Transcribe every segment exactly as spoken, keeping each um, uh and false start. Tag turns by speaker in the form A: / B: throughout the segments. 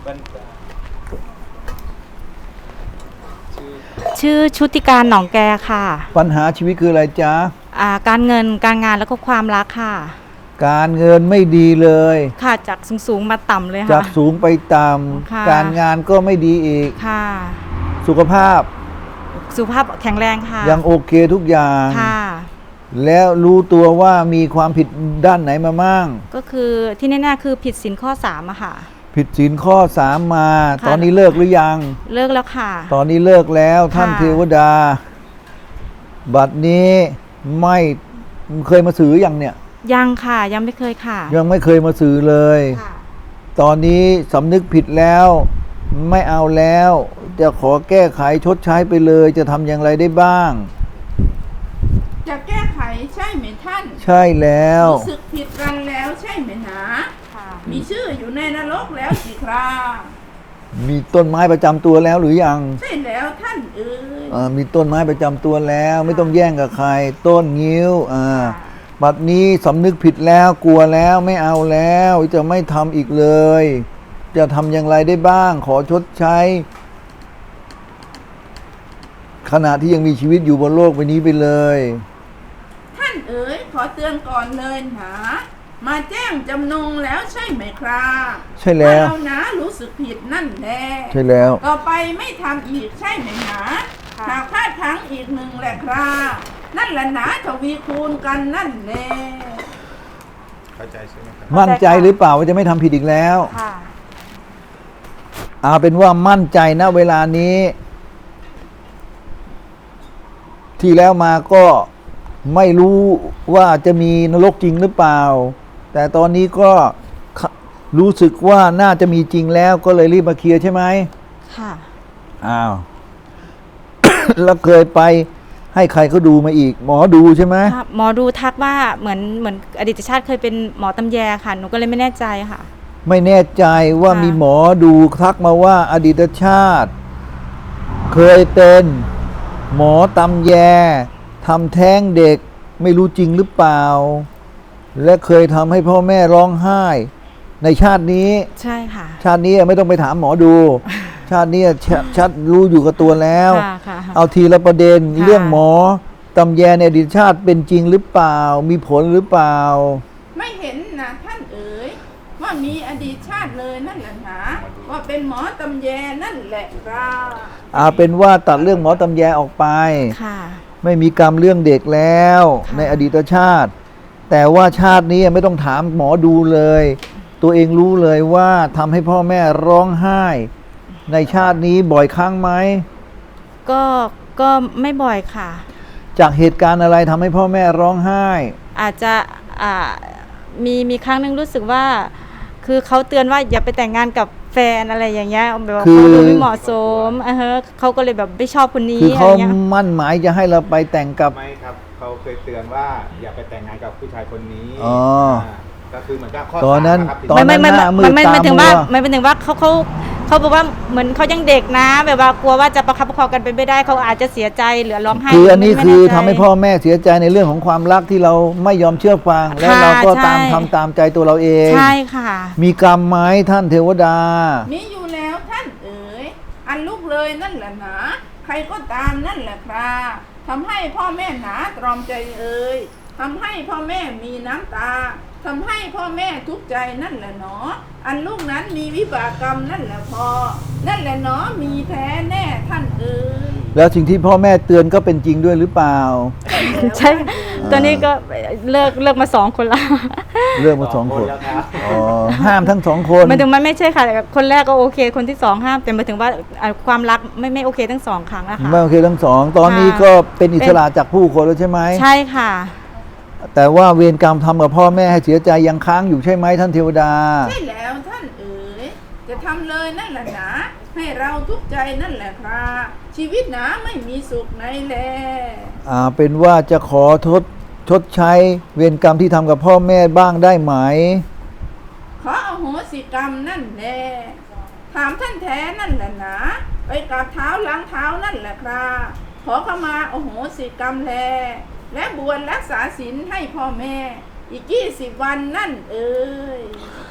A: ชื่อชุติการหนองแกค่ะ
B: ปัญหาชีวิตคืออะไรจ๊ะ
A: อ่าการเงินการงานแล้วก็ความรักค่ะ
B: การเงินไม่ดีเลย
A: ค่ะจากสูงๆมาต่ำเลยค่ะ
B: จากสูงไปต่ำการงานก็ไม่ดีอีก
A: ค่ะ
B: สุขภาพ
A: สุขภาพแข็งแรงค่ะ
B: ยังโอเคทุกอย่าง
A: ค่ะ
B: แล้วรู้ตัวว่ามีความผิดด้านไหนมามั่ง
A: ก็คือที่แน่ๆคือผิดศีลข้อสามอะค่ะ
B: ผิดศีลข้อสามมาตอนนี้เลิกหรือยัง
A: เลิกแล้วค่ะ
B: ตอนนี้เลิกแล้วท่านเทวดาบัดนี้ไม่เคยมาสื่อยังเนี่ย
A: ยังค่ะยังไม่เคยค่ะ
B: ยังไม่เคยมาสื่อเลยตอนนี้สำนึกผิดแล้วไม่เอาแล้วจะขอแก้ไขชดใช้ไปเลยจะทำอย่างไรได้บ้าง
C: จะแก้ไขใช่ไหมท่าน
B: ใช่แล้ว
C: รู้สึกผิดกันแล้วใช่ไหมหนามีชื่ออยู่ในนรกแล้วสิครา
B: มีต้นไม้ประจำตัวแล้วหรือยัง
C: ใช่แล้วท่านเอ๋
B: ยมีต้นไม้ประจำตัวแล้วไม่ต้องแย่งกับใครต้นงิ้วอ่าบัดนี้สำนึกผิดแล้วกลัวแล้วไม่เอาแล้วจะไม่ทำอีกเลยจะทำอย่างไรได้บ้างขอชดใช้ขณะที่ยังมีชีวิตอยู่บนโลกใบนี้ไปเลย
C: ท่านเอ๋ยขอเตือนก่อนเลยหนามาแจ้งจำนงแล้วใช่ไหมครับ
B: ใช่แล้ว
C: เรานะรู้สึกผิดนั่นแหละ
B: ใช่แล้ว
C: ต่อไปไม่ทำอีกใช่ไหมหนาหากพลาดพลั้งอีกหนึ่งแหละครับนั่นแหละหนาทวีคูณกันนั่นแหละ
B: เข้าใจใช่ไหมครับมั่นใจหรือเปล่าว่าจะไม่ทำผิดอีกแล้วค่ะเอาเป็นว่ามั่นใจนะเวลานี้ที่แล้วมาก็ไม่รู้ว่าจะมีนรกจริงหรือเปล่าแต่ตอนนี้ก็รู้สึกว่าน่าจะมีจริงแล้วก็เลยรีบมาเคลียร์ใช่ไหมค่ะอ้าว แล้วเคยไปให้ใครเขาดูมาอีกหมอดูใช่ไหม
A: หมอดูทักว่าเหมือนเหมือนอดีตชาติเคยเป็นหมอตำแยค่ะหนูก็เลยไม่แน่ใจค่ะ
B: ไม่แน่ใจว่ามีหมอดูทักมาว่าอดีตชาติเคยเป็นหมอตำแยทำแท้งเด็กไม่รู้จริงหรือเปล่าและเคยทำให้พ่อแม่ร้องไห้ในชาตินี้
A: ใช่ค่ะ
B: ชาตินี้ไม่ต้องไปถามหมอดู ชาตินี้ชัดรู้อยู่กับตัวแล้วเอาทีละประเด็นเรื่องหมอตำแยในอดีตชาติเป็นจริงหรือเปล่ามีผลหรือเปล่า
C: ไม่เห็นนะท่านเอ๋ยว่ามีอดีตชาติเลยนั่นแหละนะว่าเป็นหมอตำแยนั่นแหละครับ
B: เอาเป็นว่าตัดเรื่องหมอตำแยออกไปไม่มีกรรมเรื่องเด็กแล้วในอดีตชาติแต่ว่าชาตินี้ไม่ต้องถามหมอดูเลยตัวเองรู้เลยว่าทำให้พ่อแม่ร้องไห้ในชาตินี้บ่อยครั้งไหม
A: ก็ก็ไม่บ่อยค่ะ
B: จากเหตุการณ์อะไรทำให้พ่อแม่ร้องไห้
A: อาจจะอ่ามีมีครั้งหนึ่งรู้สึกว่าคือเขาเตือนว่าอย่าไปแต่งงานกับแฟนอะไรอย่างเงี้ยแบบว่าเขาดูไม่เหมาะสมอ่ะฮะเขาก็เลยแบบไม่ชอบคนนี้
B: คือเขามั่นหมายจะให้เราไปแต่งกับ
D: ไม่ครับเขาเคยเตือนว่าอย่าไปแต่งงานกับผู้ชายคนนี้
B: อ๋อ
D: ก็คือเหมือนกับข้อ
B: ตอนนั้น
A: ตอนนั้นหน้ามือตามัวไม่ไม่ถึงว่าไม่เป็นถึงว่าเขาเขาเขาบอกว่าเหมือนเขายังเด็กนะแบบว่ากลัวว่าจะประคับประคองกันไปไม่ได้เขาอาจจะเสียใจหรือร้องไห้
B: คืออันนี้คือทำให้พ่อแม่เสียใจในเรื่องของความรักที่เราไม่ยอมเชื่อฟังแล้วเราก็ตามทำตามใจตัวเราเอง
A: ใช่ค่ะ
B: มีกรรมไหมท่านเทวดา
C: มีอยู่แล้วท่านเอ๋ยอันลูกเลยนั่นแหละนะใครก็ตามนั่นแหละครับทำให้พ่อแม่หนาตรอมใจเอ่ยทำให้พ่อแม่มีน้ำตาทำให้พ่อแม่ทุกข์ใจนั่นแหละเนาะอันลูกนั้นมีวิบากกรรมนั่นแหละพอนั่นแหละเนาะมีแท้แน่ท่านเอ๋ย
B: แล้วสิ่งที่พ่อแม่เตือนก็เป็นจริงด้วยหรือเปล่า
A: ใช่ตอนนี้ก็เลิกเลิกมาสองคนละ
B: เลิกมาสองคนอ๋อห้ามทั้งสองคน
A: หมายถึงมันไม่ใช่ค่ะคนแรกก็โอเคคนที่สองห้ามแต่หมายถึงว่าความรักไม่ไม่โอเคทั้งสองครั้งนะคะ
B: ไม่โอเคทั้งสองตอนนี้ก็เป็นอิสระจากผู้คนแล้วใช่ไหม
A: ใช่ค่ะ
B: แต่ว่าเวรกรรมทำกับพ่อแม่ให้เสียใจยังค้างอยู่ใช่ไหมท่านเทวดา
C: ใช่แล้วท่านเอ๋ยจะทำเลยนั่นแหละนะให้เราทุกข์ใจนั่นแหละครับชีวิตหนาไม่มีสุขในแล
B: อ่าเป็นว่าจะขอทดชดใช้เวรกรรมที่ทำกับพ่อแม่บ้างได้ไหม
C: ขออโหสิกรรมนั่นแหละถามท่านแท้นั่นแหละนะไปกราบเท้าล้างเท้านั่นแหละครับขอเข้ามาอโหสิกรรมแลและบวชรักษาศีลให้พ่อแม่อีกยี่สิบวันนั่นเอ่ย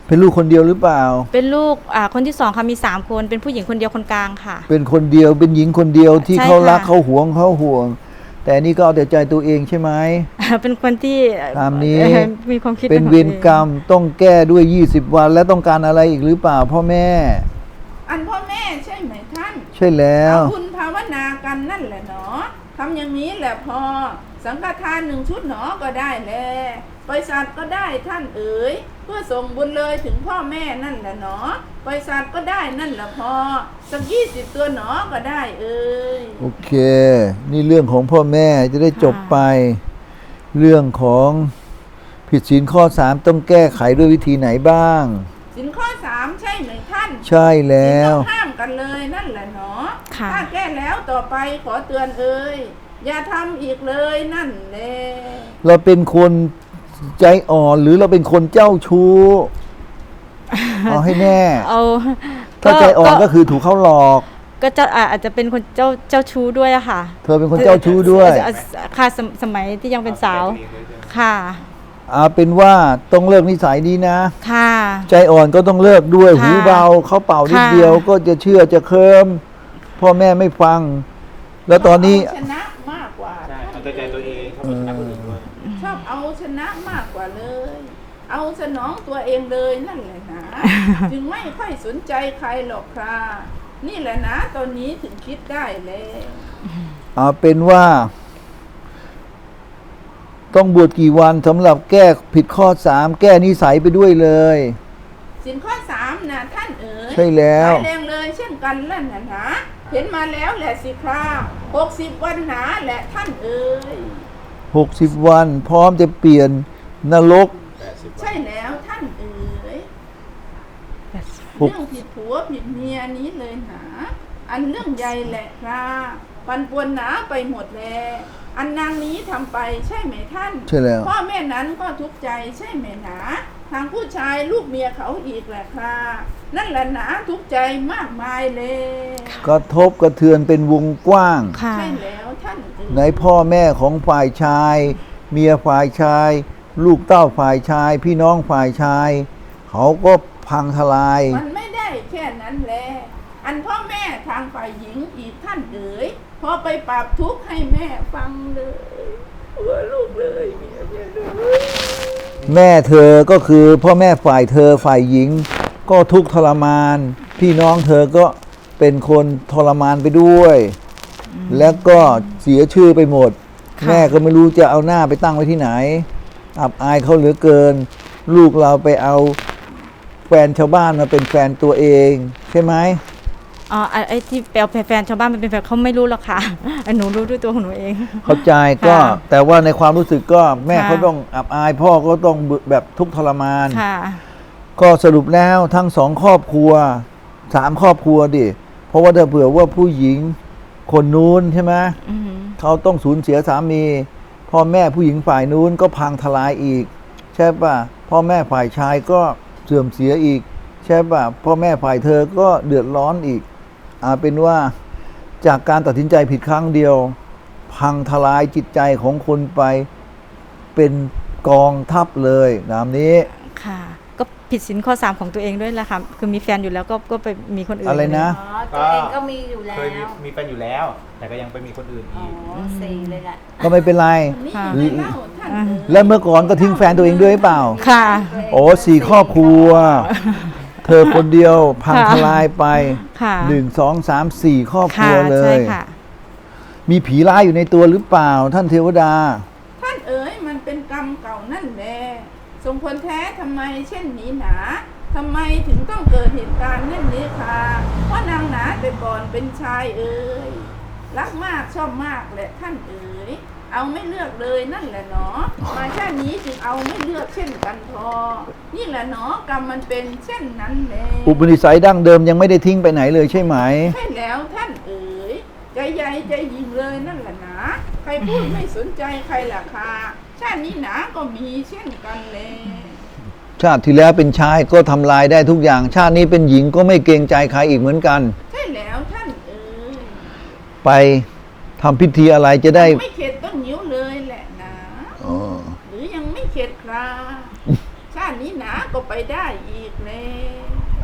B: เป็นลูกคนเดียวหรือเปล่า
A: เป็นลูกอ่าคนที่สองค่ะมีสามคนเป็นผู้หญิงคนเดียวคนกลางค่ะ
B: เป็นคนเดียวเป็นหญิงคนเดียวที่
A: ใช่
B: เขารัก
A: ค่ะ
B: เขาหวงเขาห่วง แต่นี่ก็เอาแต่ใจตัวเองใช่ไหม
A: เป็นคนที่
B: ตามนี้
A: เอ่อมีความคิด
B: เป็น
A: ของ
B: เว
A: ตัว
B: ร
A: อง
B: กรรมต้องแก้ด้วยยี่สิบวันและต้องการอะไรอีกหรือเปล่าพ่อแม่
C: อันพ่อแม่ใช่ไหมท่าน
B: ใช่แล้ว
C: เอาบุญภาวนากันนั่นแหละเนาะทำอย่างนี้แหละพอ สังฆทานหนึ่งชุดหนอก็ได้แลบริษัทก็ได้ท่านเอ๋ยเพื่อส่งบุญเลยถึงพ่อแม่นั่นแหละเนาะบริษัทก็ได้นั่นแหละพอ สักยี่สิบตัวหนอก็ได้เอ๋ย
B: โอเค นี่เรื่องของพ่อแม่จะได้จบไป เรื่องของผิดศีลข้อสามต้องแก้ไขด้วยวิธีไหนบ้าง
C: สินข้อสามใช่ไหมท่าน
B: ใช่แล้ว
C: สินต้องห้ามกันเลยนั่นแหละเนาะ
A: ค่ะ
C: ถ้าแก้แล้วต่อไปขอเตือนเอ่ยอย่าทำอีกเลยนั่นแหละ
B: เราเป็นคนใจอ่อนหรือเราเป็นคนเจ้าชู้ เอาให้แน่
A: เอา
B: ถ้าใจอ่อนก็คือถูกเขาหลอก
A: ก็จะอ่าอาจจะเป็นคนเจ้าเจ้าชู้ด้วยอะค่ะ
B: เธอเป็นคนเจ้าชู้ด้วย
A: อ่าค่ะสมสมัยที่ยังเป็นสาว
D: เอาแต่ตัวเองเลยใช่ไหม
A: ค่ะ
B: เอาเป็นว่าต้องเลิกนิสัยนี้นะ
A: ค่ะ
B: ใจอ่อนก็ต้องเลิกด้วย
A: ค่ะ
B: หูเบาเขาเป่านิด
A: ค่ะ
B: เดียวก็จะเชื่อจะเคลิมพ่อแม่ไม่ฟัง แล้วตอนนี้
C: ชอบเอาชนะมากกว่า
D: ใช่เอาแต่ใจตัวเองเขาไม่ชนะคนอื่นด้วย
C: ชอบเอาชนะมากกว่าเลย เอาสนองตัวเองเลยนั่นแหละนะ จึงไม่ค่อยสนใจใครหรอกค่ะนี่แหละนะตอนนี้ถึงคิดได้แล้ว
B: เอาเป็นว่า ต้องบวชกี่วันสำหรับแก้ผิดข้อสามแก้นิสัยไปด้วยเลย
C: สินข้อสามนะท่านเอ๋ย
B: ใช่แล้ว
C: ร้ายแรงเลยเช่นกันแล้วนะนะเห็นมาแล้วแหละสิคราหกสิบวันหนาแหละท่านเอ๋ย
B: หกสิบวัน พร้อมจะเปลี่ยนนรก
D: แปดสิบวัน
C: ใช่แล้วท่านเอ๋ย
B: หก
C: เรื่องผิดผัวผิดเมียนี้เลยหนาอันเรื่องใหญ่แหละครับปันปวนหนาไปหมดแลอันนางนี้ทำไปใช่ไหมท่าน
B: ใช่แล้ว
C: พ่อแม่นั้นก็ทุกข์ใจใช่ไหมหนาทางผู้ชายลูกเมียเขาอีกแหละครับนั่นแหละหนาทุกข์ใจมากมายเลย
B: กระทบกระเทือนเป็นวงกว้าง
A: ค่ะ
C: ใช่แล้วท่านเอ๋ย
B: ในพ่อแม่ของฝ่ายชาย เมียฝ่ายชาย ลูกเต้าฝ่ายชาย พี่น้องฝ่ายชาย เขาก็พังทลาย
C: มันไม่ได้แค่นั้นแหละอันพ่อแม่ทางฝ่ายหญิงอีกท่านเอ๋ยพอไปปรับทุกข์ให้แม่ฟังเลยหัวลูกเลยเมียเมียเลย
B: แม่เธอก็คือพ่อแม่ฝ่ายเธอฝ่ายหญิง ก็ทุกข์ทรมาน พี่น้องเธอก็เป็นคนทรมานไปด้วย แล้วก็เสียชื่อไปหมด
A: ค่ะ
B: แม่ก็ไม่รู้จะเอาหน้าไปตั้งไว้ที่ไหน อับอายเขาเหลือเกิน ลูกเราไปเอาแฟนชาวบ้านมาเป็นแฟนตัวเอง ใช่ไหม
A: อ๋อไอ้ไอ้ที่แปลแฟนชาวบ้านมันเป็นแฟนเขาไม่รู้หรอกค่ะ ไอ้หนูรู้ด้วยตัวของหนูเอง
B: เข้าใจก็
A: ค่ะ
B: แต่ว่าในความรู้สึกก็แม่
A: ค่ะ
B: เขาต้องอับอายพ่อก็ต้องแบบทุกข์ทรมาน
A: ค่ะ
B: ก็สรุปแล้วทั้งสองครอบครัวสามครอบครัวดิ เพราะว่าถ้าเผื่อว่าผู้หญิงคนนู้นใช่ไหม
A: อือหือ
B: เขาต้องสูญเสียสามี พ่อแม่ผู้หญิงฝ่ายนู้นก็พังทลายอีก ใช่ป่ะพ่อแม่ฝ่ายชายก็เสื่อมเสียอีก ใช่ป่ะพ่อแม่ฝ่ายเธอก็เดือดร้อนอีกอาเป็นว่าจากการตัดสินใจผิดครั้งเดียว พังทลายจิตใจของคนไปเป็นกองทัพเลยนามนี้
A: ค่ะ ก็ผิดสินข้อสามของตัวเองด้วยแหละค่ะ คือมีแฟนอยู่แล้วก็ก็ไปมีคนอื่น
B: อะไรนะ
E: อ๋อตัวเองก็มีอยู่แล้
D: เคยมี
E: ว
D: มีแฟนอยู่แล้ว แต่ก็ยังไปมีคนอื่น
E: อ๋อ
D: อีก
E: สี่เลยแหละ
B: ก็ไม่เป็นไร
C: นี่
A: ค่ะ
C: ไม่เล่าท่านเอ๋ย
B: แล้วเมื่อก่อนก็ทิ้งแฟนตัวเองด้วยหรือเปล่า
A: ค่ะ
B: โอ้สี่ครอบครัว เธอคนเดียวพัง
A: ค่ะ
B: ทลายไป
A: ค่ะ
B: หนึ่งสองสามสี่ครอบครั
A: ค่ะ
B: วเล
A: ใช่
B: ย
A: ค่ะ
B: มีผีร้ายอยู่ในตัวหรือเปล่า ท่านเทวดา
C: ท่านเอ๋ยมันเป็นกรรมเก่านั่นแหละสมควรแท้ทำไมเช่นนี้หนาทำไมถึงต้องเกิดเหตุการณ์เช่นนี้ค่ะเพราะนางหนาแต่ก่อนเป็นชายเอ๋ยรักมากชอบมากแหละท่านเอ๋ยเอาไม่เลือกเลยนั่นแหละเนาะมาแค่นี้จึงเอาไม่เลือกเช่นกันพอนี่แหละเนาะกรรมมันเป็นเช่นนั้นแหละ
B: อุปนิสัยดั้งเดิมยังไม่ได้ทิ้งไปไหนเลยใช่ไหม
C: ใช่แล้วท่านเอ๋ยใจใหญ่ใจยิงเลยนั่นแหละนะใครพูดไม่สนใจใครล่ะค่ะชาตินี้หนาก็มีเช่นกันเลย
B: ชาติที่แล้วเป็นชายก็ทำลายได้ทุกอย่าง ชาตินี้เป็นหญิงก็ไม่เกรงใจใครอีกเหมือนกัน
C: ใช่แล้วท่านเอ๋ย
B: ไปทำพิธีอะไรจะได้
C: ไม่เข็ดต้องนิ้วเลยแหละนะ
B: อ๋อ
C: หรือยังไม่เข็ดคราชาตินี้หนาก็ไปได้อีกแ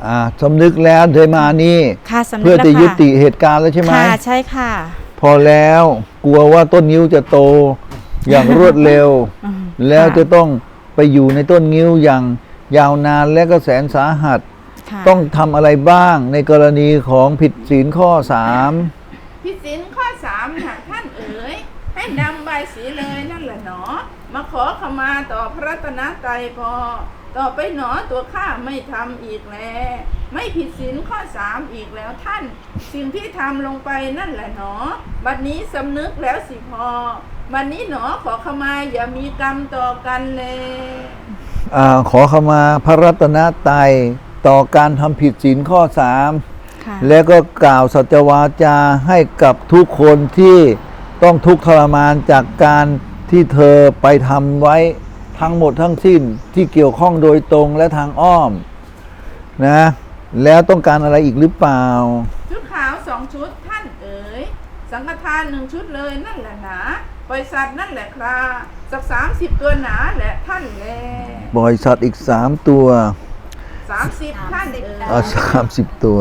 B: อ่าสำนึกแล้วเธอมานี่
A: ค่ะสำนึก
B: เพื่อ
A: แล้ว
B: จะ
A: ค่ะ
B: ยุติเหตุการณ์แล้วใช่ไหม
A: ค่ะใช่ค่ะ
B: พอแล้วกลัวว่าต้นงิ้วจะโตอย่างรวดเร็ว
A: อืม
B: แล้ว
A: ค่ะ
B: จะต้องไปอยู่ในต้นงิ้วอย่างยาวนานและก็แสนสาหัส
A: ค่ะ
B: ต้องทำอะไรบ้างในกรณีของผิดศีลข้อสาม
C: พิสินข้อสามนะท่านเอ๋ยให้นำใบายสีเลยนั่นแหละหนอ มาขอขมาต่อพระรัตนตรัยพอ ต่อไปหนอตัวข้าไม่ทำอีกแล้ว ไม่ผิดศีลข้อสามอีกแล้วท่าน สิ่งที่ทำลงไปนั่นแหละหนอ บัดนี้สำนึกแล้วสิพอ บัดนี้หนอขอขมาอย่ามีกรรมต่อกันเลย
B: อาขอขมาพระรัตนตรัยต่อการทำผิดศีลข้อสาม
A: ค่ะ
B: แล้วก็กล่าวสัจวาจาให้กับทุกคนที่ต้องทุกข์ทรมานจากการที่เธอไปทำไว้ทั้งหมดทั้งสิ้นที่เกี่ยวข้องโดยตรงและทางอ้อมนะแล้วต้องการอะไรอีกหรือเปล่า
C: ชุดขาวสองชุดท่านเอ๋ยสังฆทานหนึ่งชุดเลยนั่นแหละหนาปล่อยสัตว์นั่นแหละคราสักสามสิบตัวหนาแหละท่านแล
B: บริษัทอีกสามตัว
C: สามสิบท่านเอ๋ย
B: เอาสามสิบตัว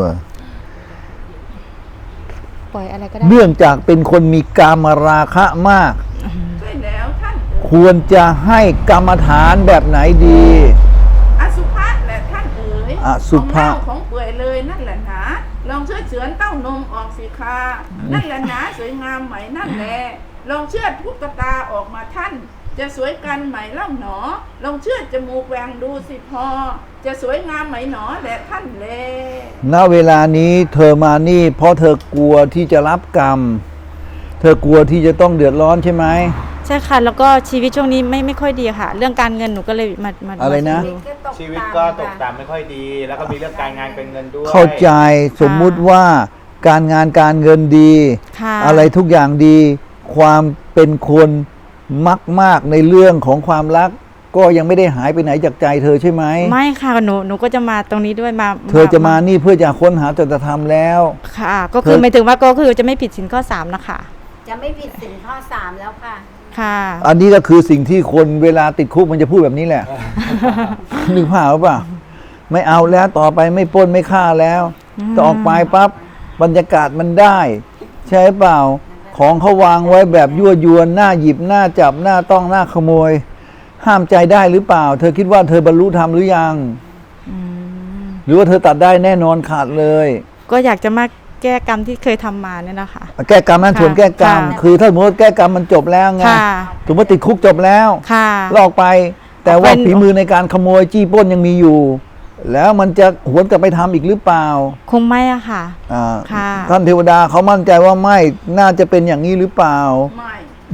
A: ปล่อยอะไรก็ได้
B: เนื่องจากเป็นคนมีกามราคะมาก
C: ใช่แล้วท่านเอ๋ย
B: ควรจะให้กรรมฐานแบบไหนดี
C: อสุภะแหละท่านเอ๋ย
B: อสุภะ
C: ของเน่าของเปื่อยเลยนั่นแหละหนาลองเชือดเฉือนเต้านมออกสิคานั่นแหละหนาสวยงามไหมนั่นแหละลองเชือดพุกตาออกมาท่าน จะสวยกันไหมเล่าหนอ ลองเชือดจมูกแหวงดูสิพอ จะสวยงามไหมหนอแหละท่านแล
B: ณเวลานี้เธอมานี่เพราะเธอกลัวที่จะรับกรรม เธอกลัวที่จะต้องเดือดร้อนใช่ไหม
A: ใช่ค่ะ แล้วก็ชีวิตช่วงนี้ไม่ไม่ค่อยดีค่ะ เรื่องการเงินหนูก็เลยมามา
B: อะไรนะ
A: มาดู
D: ชีวิตก็ตกต่ำไม่ค่อยดี แล้วก็มีเรื่องการงานเป็นเงินด้วย
B: เข้าใจสมมุติว่าการงานการเงินดี
A: ค่ะ
B: อะไรทุกอย่างดี ความเป็นคนมักมากในเรื่องของความรัก ก็ยังไม่ได้หายไปไหนจากใจเธอใช่ไหม
A: ไม่ค่ะหนูหนูก็จะมาตรงนี้ด้วยมา
B: เธอจะมานี่เพื่อจะค้นหาจตธรรมแล้ว
A: ค่ะ ก็คือ
B: เธอ
A: หมายถึงว่าก็คือจะไม่ผิดสินข้อสามนะคะ
E: จะไม่ผิดสินข้อสามแล้วค่ะ
A: ค่ะ
B: อันนี้ก็คือสิ่งที่คนเวลาติดคุกมันจะพูดแบบนี้แหละ นึกภาพหรือเปล่าไม่เอาแล้วต่อไปไม่ปล้นไม่ฆ่าแล้วจะออกไปปั๊บบรรยากาศมันได้ ใช่เปล่า ของเขาวางไว้แบบยั่วยวนหน้าหยิบหน้าจับหน้าต้องหน้าขโมย ห้ามใจได้หรือเปล่า เธอคิดว่าเธอบรรลุธรรมหรือยัง
A: อืม
B: หรือว่าเธอตัดได้แน่นอนขาดเลย
A: ก็อยากจะมาแก้กรรมที่เคยทำมาเนี่ยนะคะ
B: แก้กรรมนั้น
A: ค่ะ
B: ส่วนแก้กรรม
A: ค่ะ
B: คือถ้าสมมติว่าแก้กรรมมันจบแล้วไง
A: ค่ะ
B: สมมติติดคุกจบแล้ว
A: ค่ะ
B: ลอกไป แต่ว่า
A: เป็น
B: ฝีมือในการขโมยจี้ปล้นยังมีอยู่ แล้วมันจะหวนกลับไปทำอีกหรือเปล่า
A: คงไม่อะค่ะ
B: อ่า
A: ค่ะ
B: ท่านเทวดาเขามั่นใจว่าไม่น่าจะเป็นอย่างนี้หรือเปล่า
C: ไม่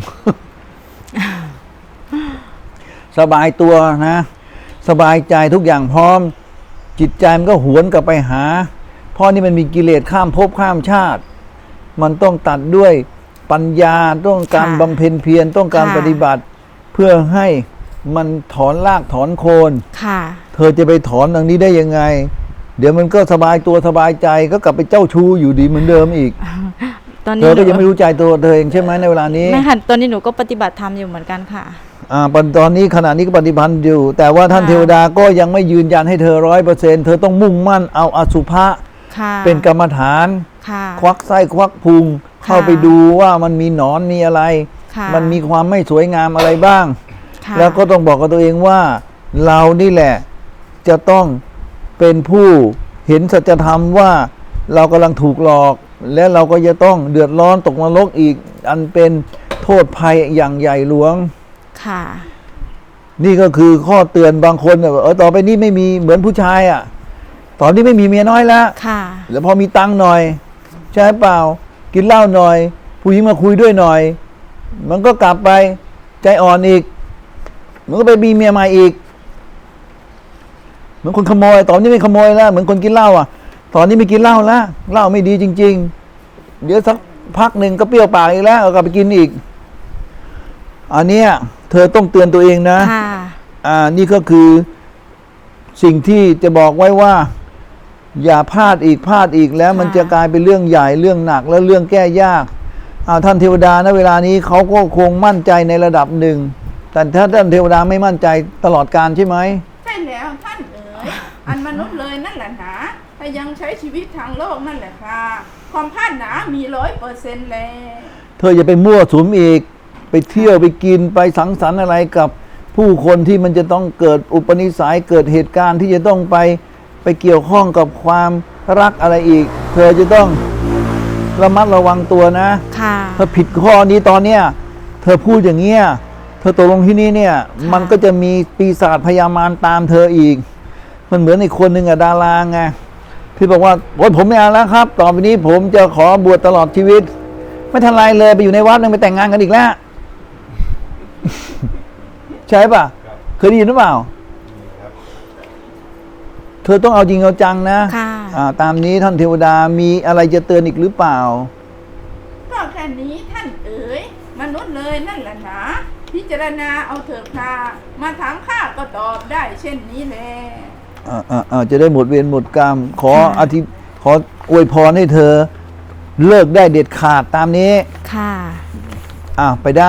B: สบายตัวนะ สบายใจทุกอย่างพร้อม จิตใจมันก็หวนกลับไปหา เพราะนี่มันมีกิเลสข้ามภพข้ามชาติ มันต้องตัดด้วยปัญญาต้องการ
A: ค่ะ
B: บำเพ็ญเพียรต้องการ
A: ค่ะ
B: ปฏิบัติ เพื่อให้มันถอนรากถอนโคน
A: ค่ะ
B: เธอจะไปถอนตรงนี้ได้ยังไง เดี๋ยวมันก็สบายตัวสบายใจก็กลับไปเจ้าชู้อยู่ดีเหมือนเดิมอีก
A: ตอน
B: เธ
A: นี้
B: อก็
A: หนู
B: ยังไม่รู้ใจตัวเธอเองใช่ไหมในเวลานี้
A: ไม่ค่ะตอนนี้หนูก็ปฏิบัติธรรมอยู่เหมือนกันค่ะ
B: อ่าปัจตอนนี้ขณะนี้ก็ปฏิพันธ์อยู่ แต่ว่าท่าน
A: ค่ะ
B: เทวดาก็ยังไม่ยืนยันให้เธอร้อยเปอร์เซ็นต์เธอต้องมุ่งมั่นเอาอสุภะ
A: ค่ะ
B: เป็นกรรมฐาน
A: ค่ะ
B: ควักไส้ควักพุง เข้าไปดูว่ามันมีหนอนมีอะไร
A: ค่ะ
B: มันมีความไม่สวยงามอะไรบ้าง
A: ค่ะ
B: แล้วก็ต้องบอกกับตัวเองว่าเรานี่แหละจะต้องเป็นผู้เห็นสัจธรรมว่าเรากำลังถูกหลอก และเราก็จะต้องเดือดร้อนตกนรกอีก อันเป็นโทษภัยอย่างใหญ่หลวง
A: ค่ะ
B: นี่ก็คือข้อเตือนบางคนแบบเออต่อไปนี้ไม่มีเหมือนผู้ชายอ่ะ ตอนนี้ไม่มีเมียน้อยแล้ว
A: ค่ะ
B: แล้วพอมีตังค์หน่อย ใช่เปล่า กินเหล้าหน่อย ผู้หญิงมาคุยด้วยหน่อย มันก็กลับไปใจอ่อนอีก มันก็ไปมีเมียใหม่อีก เหมือนคนขโมย ตอนนี้ไม่ขโมยแล้ว เหมือนคนกินเหล้าอ่ะ ตอนนี้ไม่กินเหล้าแล้วเหล้าไม่ดีจริง ๆ เดี๋ยวสักพักหนึ่งก็เปรี้ยวปากอีกแล้วเอากลับไปกินอีก อันเนี้ยเธอต้องเตือนตัวเองนะ
A: ค่ะ
B: อ่านี่ก็คือสิ่งที่จะบอกไว้ว่า อย่าพลาดอีกพลาดอีกแล้ว มันจะกลายเป็นเรื่องใหญ่เรื่องหนักและเรื่องแก้ยากอ่าท่านเทวดาณเวลานี้เขาก็คงมั่นใจในระดับหนึ่ง แต่ถ้าท่านเทวดาไม่มั่นใจตลอดการใช่ไหม
C: ใช่แล้วท่านเอ๋ย อันมนุษย์เลยนั่นแหละหนาถ้ายังใช้ชีวิตทางโลกนั่นแหละค่ะความพลาดหนามีร้อยเปอร์เซ็นต์แล้ว
B: เธออย่าไปมั่วสุมอีก ไปเที่ยวไปกินไปสังสรรค์อะไรกับผู้คนที่มันจะต้องเกิดอุปนิสัยเกิดเหตุการณ์ที่จะต้องไปไปเกี่ยวข้องกับความรักอะไรอีก เธอจะต้องระมัดระวังตัวนะ
A: ค่ะ
B: ถ้าผิดข้อนี้ตอนเนี้ยเธอพูดอย่างเงี้ยเธอตกลงที่นี่เนี่ย
A: ะ
B: มันก็จะมีปีศาจพยามารตามเธออีก มันเหมือนอีกคนหนึ่งอะดาราไงที่บอกว่าโอ๊ยผมไม่เอาแล้วครับ ต่อไปนี้ผมจะขอบวชตลอดชีวิต ไม่ทันไรเลยไปอยู่ในวัดนึงไปแต่งงานกันอีกแล้ว ใช่ป่ะ
D: ครับ
B: เคยได้ยินหรือเปล่า
D: ครับ
B: เธอต้องเอาจริงเอาจังนะ
A: ค่ะ
B: อ่าตามนี้ท่านเทวดามีอะไรจะเตือนอีกหรือเปล่า
C: ก็แค่นี้ท่านเอ๋ยมนุษย์เลยนั่นแหละหนะพิจารณาเอาเถิดค่ะมาถามข้าก็ตอบได้เช่นนี้แหละ
B: อ่าอ่าอ่าจะได้หมดเวรหมดกรรม ขอ
A: ค่ะ
B: อธิขออวยพรให้เธอ เลิกได้เด็ดขาดตามนี้
A: ค่ะ
B: อ่าไปได้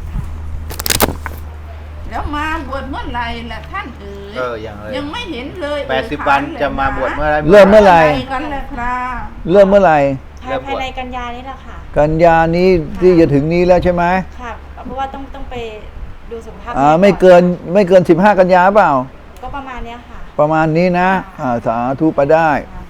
C: แล้วมาบวชเมื่อไหร่ล่ะท่านเอ๋ย
D: เอออย่างเลย
C: ยังไม่เห็นเลย
D: แปดสิบวันจะมาบวชเมื่อไร
B: เริ่มเมื่อไหร่
C: กันแหละครับ
B: เริ่มเมื่อไหร่
A: ภายภายในกันยานี่แหละค่ะ
B: กันยานี้ที่จะถึงนี้แล้วใช่ไหม
A: ค่ะ เพราะว่าต้องต้องไปดูสุขภาพ
B: อ่า
A: แก่
B: ไม่เกินไม่เกินสิบห้ากันยาเปล่า
A: ก็ประมาณเนี้ยค่ะ
B: ประมาณนี้นะ อ่าสาธุไปได้
A: ค่ะ